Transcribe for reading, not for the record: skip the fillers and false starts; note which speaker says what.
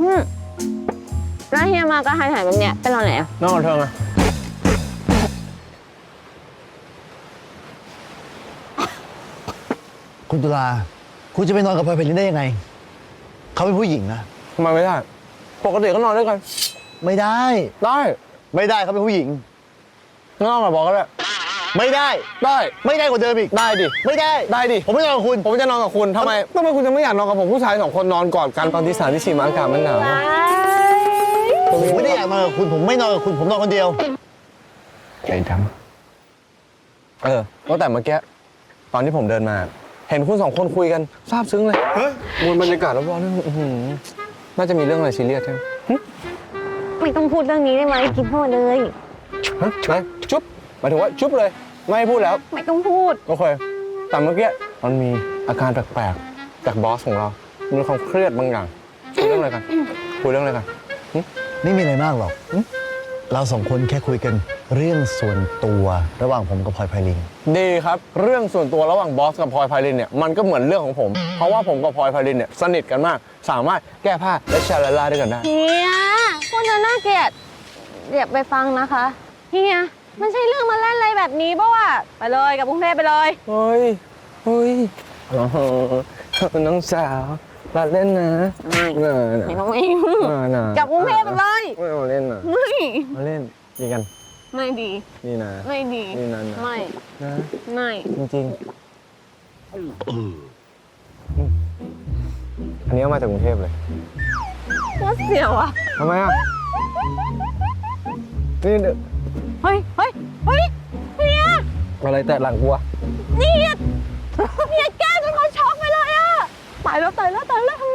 Speaker 1: แล้วเฮียมาก็หายแบบเนี้ยไปนอนไหนอะ
Speaker 2: นอนกับเธอไง
Speaker 3: คุณตุลาคุณจะไปนอนกับพลอยไพลินได้ยังไงเขาเป็นผู้หญิงนะ
Speaker 2: ทำไมไม่ได้ ปกติก็นอนด้วยกัน
Speaker 3: ไม่ได้
Speaker 2: ได้
Speaker 3: ไม่ได้เขาเป็นผู้หญิง
Speaker 2: นอนกับบอกก็ได้
Speaker 3: ไม่ได้
Speaker 2: ได้
Speaker 3: ไม่ได้กว่าเดิมอีก
Speaker 2: ได้ดิ
Speaker 3: ไม่ได้
Speaker 2: ได้ดิ
Speaker 3: ผมไม่นอนกับคุณ
Speaker 2: ผมจะนอนกับคุณทำไมคุณจะไม่อยากนอนกับผมผู้ชาย2 คนนอนกอดกันตอนที่3 ที่ 4อากาศมันหนาว
Speaker 3: ผมไม่ได้อยากนอนกับคุณ ผมไม่นอนกับคุณ ผมนอนคนเดียว
Speaker 2: ใจดำตั้งแต่เมื่อกี้ตอนที่ผมเดินมา เห็นคุณ2 คนคุยกันซาบซึ้งเลยมวลบรรยากาศรอบๆนี่น่าจะมีเรื่องอะไรซีเรียสใช่ไหม
Speaker 1: ไม่ต้องพูดเรื่องนี้ได้ไหมกินพูดเลย
Speaker 2: ฮะไหนจุ๊บหมายถึงว่าจุ๊บเลย ไม่ให้พูดแล้ว
Speaker 1: ไม่ต้องพูด
Speaker 2: โอเคแต่เมื่อกี้มันมีอาการแปลกๆจากบอสของเรา มีความเครียดบางอย่างคุยเรื่องอะไรกันคุยเรื่องอะไรกัน
Speaker 3: ไม่มีอะไรมากหรอก เราสองคนแค่คุยกันเรื่องส่วนตัวระหว่างผมกับพลอยไพลิน
Speaker 2: ดีครับ เรื่องส่วนตัวระหว่างบอสกับพลอยไพลินเนี่ยมันก็เหมือนเรื่องของผม เพราะว่าผมกับพลอยไพลินเนี่ยสนิทกันมาก สามารถแก้ผ้าและชาลาลาด้วยกันได้
Speaker 1: เฮียพูดจะน่าเกลียดอย่าไปฟังนะคะเฮียมันใช่เรื่องมาเล่นอะไรแบบนี้ป่ะวะไปเลยกับกรุงเทพไปเลย
Speaker 2: เฮ้ยน้องสาวมาเล่นนะ
Speaker 1: ไม่ต้องไม่
Speaker 2: นะ
Speaker 1: กับกรุงเทพไปเลย
Speaker 2: ไม่มาเล่นนะ
Speaker 1: ไม่
Speaker 2: มาเล่นดีกัน
Speaker 1: ไม่ดี
Speaker 2: นี่นะ
Speaker 1: ไม่ดี
Speaker 2: นี่นั่นนะ
Speaker 1: ไม่
Speaker 2: นะ
Speaker 1: ไม่
Speaker 2: จริงอันนี้เอามาจากกรุงเทพเลย
Speaker 1: ว่าเสียวอ่ะ
Speaker 2: ทำไมอ่ะนี่
Speaker 1: เฮ้ยเฮ้ยเฮ้ยเฮีย
Speaker 2: อะไรแต่หลังกูวะ
Speaker 1: เฮียแก้จนเขาช็อกไปเลยอ่ะตายแล้วทำ